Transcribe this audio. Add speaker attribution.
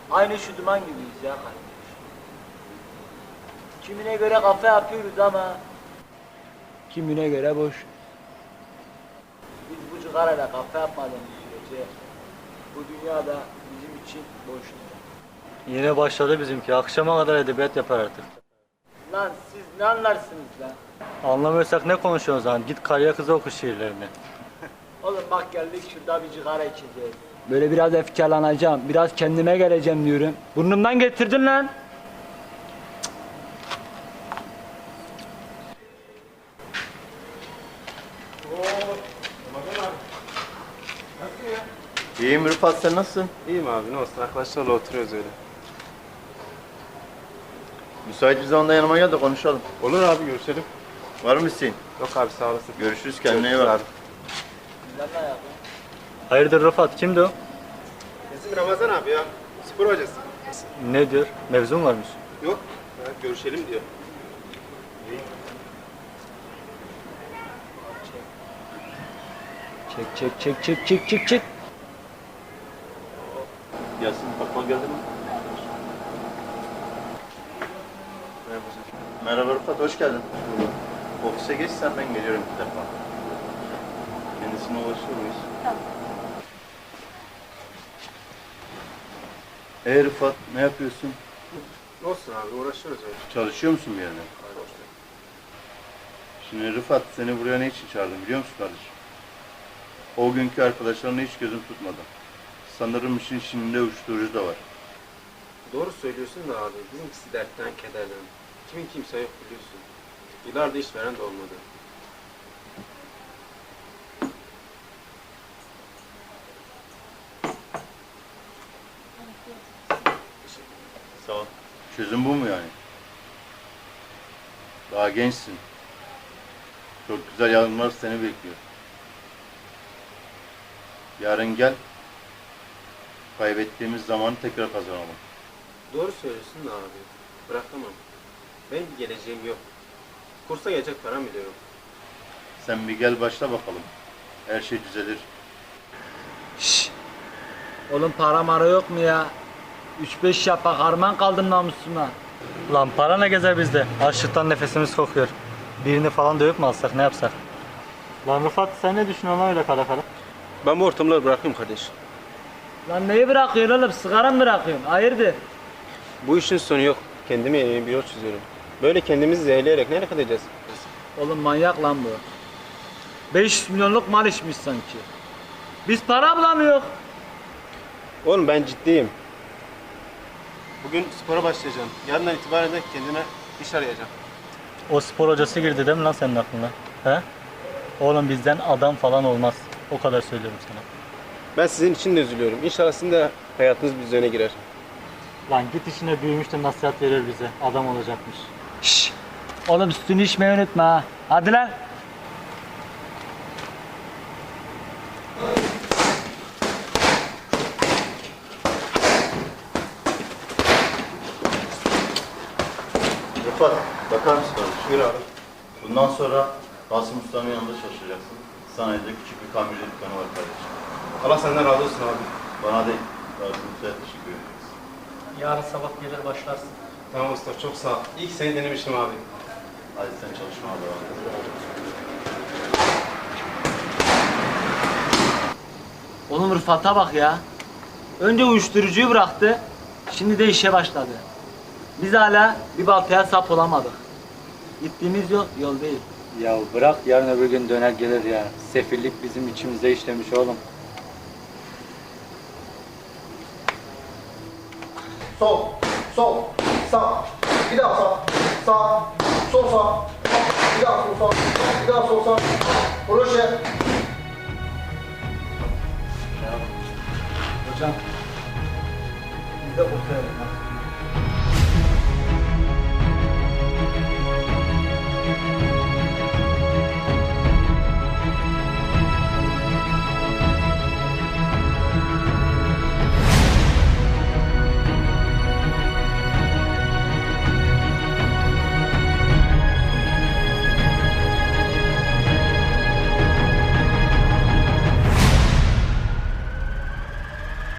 Speaker 1: Aynı şu duman gibiyiz ya kardeş. Kimine göre kafa yapıyoruz ama kimine göre boş. Biz bu cigarayla kafa yapmadığımız sürece bu dünyada bizim için boştur.
Speaker 2: Yine başladı bizimki. Akşama kadar edebiyat yapar artık.
Speaker 1: Lan siz ne anlarsınız lan?
Speaker 2: Anlamıyorsak ne konuşuyorsun o zaman? Git karıya kıza oku şiirlerini.
Speaker 1: Oğlum bak geldik şurada bir cigara içeceğiz. Böyle biraz efkarlanacağım, biraz kendime geleceğim diyorum. Burnumdan getirdin lan.
Speaker 3: İyiyim Rıfat, sen nasılsın?
Speaker 4: İyiyim abi, ne olsun, arkadaşlarla oturuyoruz öyle.
Speaker 3: Müsait bir zamanda yanıma gel de konuşalım.
Speaker 4: Olur abi, görüşelim.
Speaker 3: Var mı isteğin?
Speaker 4: Yok abi, sağ olasın.
Speaker 3: Görüşürüz, kendine iyi
Speaker 4: Görüşürüz
Speaker 3: bak.
Speaker 4: abi.
Speaker 1: Lan ne yapayım?
Speaker 2: Hayırdır Rıfat? Kimdi o?
Speaker 4: Bizim Ramazan abi ya, spor hocası.
Speaker 2: Ne diyor? Mevzun varmış.
Speaker 4: Yok, görüşelim diyor.
Speaker 1: Çek.
Speaker 3: Gelsin, bakma geldi mi? Merhaba Rıfat, hoş geldin. Ofise geç sen, ben geliyorum bir defa. Kendisine ulaşır mıyız?
Speaker 5: Tamam.
Speaker 3: Rıfat, ne yapıyorsun?
Speaker 4: Ne olsun abi, uğraşıyoruz öyle.
Speaker 3: Çalışıyor musun bir yerde? Şimdi Rıfat, seni buraya ne için çağırdım biliyor musun kardeşim? O günkü arkadaşlarına hiç gözüm tutmadı. Sanırım işin içinde uyuşturucu da var.
Speaker 4: Doğru söylüyorsun da abi, bizimkisi dertten, kederden. Kimin kimse yok biliyorsun. Yıllardır iş veren de olmadı.
Speaker 3: Sağ ol. Çözüm bu mu yani? Daha gençsin. Çok güzel yarınlar seni bekliyor. Yarın gel. Kaybettiğimiz zamanı tekrar kazanalım.
Speaker 4: Doğru söylüyorsun da abi, bırakamam. Benim bir geleceğim yok. Kursa gelecek param bile yok.
Speaker 3: Sen bir gel başla bakalım. Her şey düzelir.
Speaker 1: Şşş. Oğlum para mara yok mu ya? 3-5 yapak harman kaldım namusuma.
Speaker 2: Lan para ne gezer bizde? Açlıktan nefesimiz kokuyor. Birini falan dövüp mü alsak, ne yapsak? Lan Rıfat, sen ne düşünüyorsun lan öyle kara kara?
Speaker 4: Ben bu ortamları bırakayım kardeş.
Speaker 1: Lan neyi bırakıyorsun oğlum? Sigara mı bırakıyorsun? Hayırdır?
Speaker 4: Bu işin sonu yok. Kendime yeni bir yol çiziyorum. Böyle kendimizi zehirleyerek nereye kadar gideceğiz?
Speaker 1: Oğlum manyak lan bu. 500 milyonluk mal içmiş sanki. Biz para bulamıyoruz.
Speaker 4: Oğlum ben ciddiyim. Bugün spora başlayacağım. Yarından itibaren de kendime iş arayacağım.
Speaker 2: O spor hocası girdi değil mi lan senin aklına? He? Oğlum bizden adam falan olmaz. O kadar söylüyorum sana.
Speaker 4: Ben sizin için de üzülüyorum. İnşallah sizin de hayatınız bir düzene girer.
Speaker 2: Lan git işine, büyümüş de nasihat verir bize. Adam olacakmış.
Speaker 1: Şşş. Oğlum sütünü içmeyi unutma ha. Hadi lan.
Speaker 3: Rıfat, bakar mısın kardeşim?
Speaker 4: Buyur abi.
Speaker 3: Bundan sonra Kasım Usta'nın yanında çalışacaksın. Sanayide küçük bir tamirci dükkanı var kardeşim.
Speaker 4: Allah senden razı olsun abi.
Speaker 3: Bana değil, Kasım Usta'ya teşekkür ederiz.
Speaker 2: Yarın sabah gelir başlarsın.
Speaker 4: Tamam usta, çok sağ ol. İyi ki seni denemiştim abi.
Speaker 3: Hadi sen çalışmaya devam et.
Speaker 1: Oğlum Rıfat'a bak ya. Önce uyuşturucuyu bıraktı. Şimdi de işe başladı. Biz hala bir baltaya sap olamadık. Gittiğimiz yol değil.
Speaker 2: Ya bırak, yarın öbür gün döner gelir ya. Sefillik bizim içimize işlemiş oğlum.
Speaker 6: Sol, sol, sağ, bir daha sağ, sağ, sol sağ, bir daha sol sağ, bir daha sol sağ, proje.
Speaker 1: Hocam, biz de kurtaralım ha.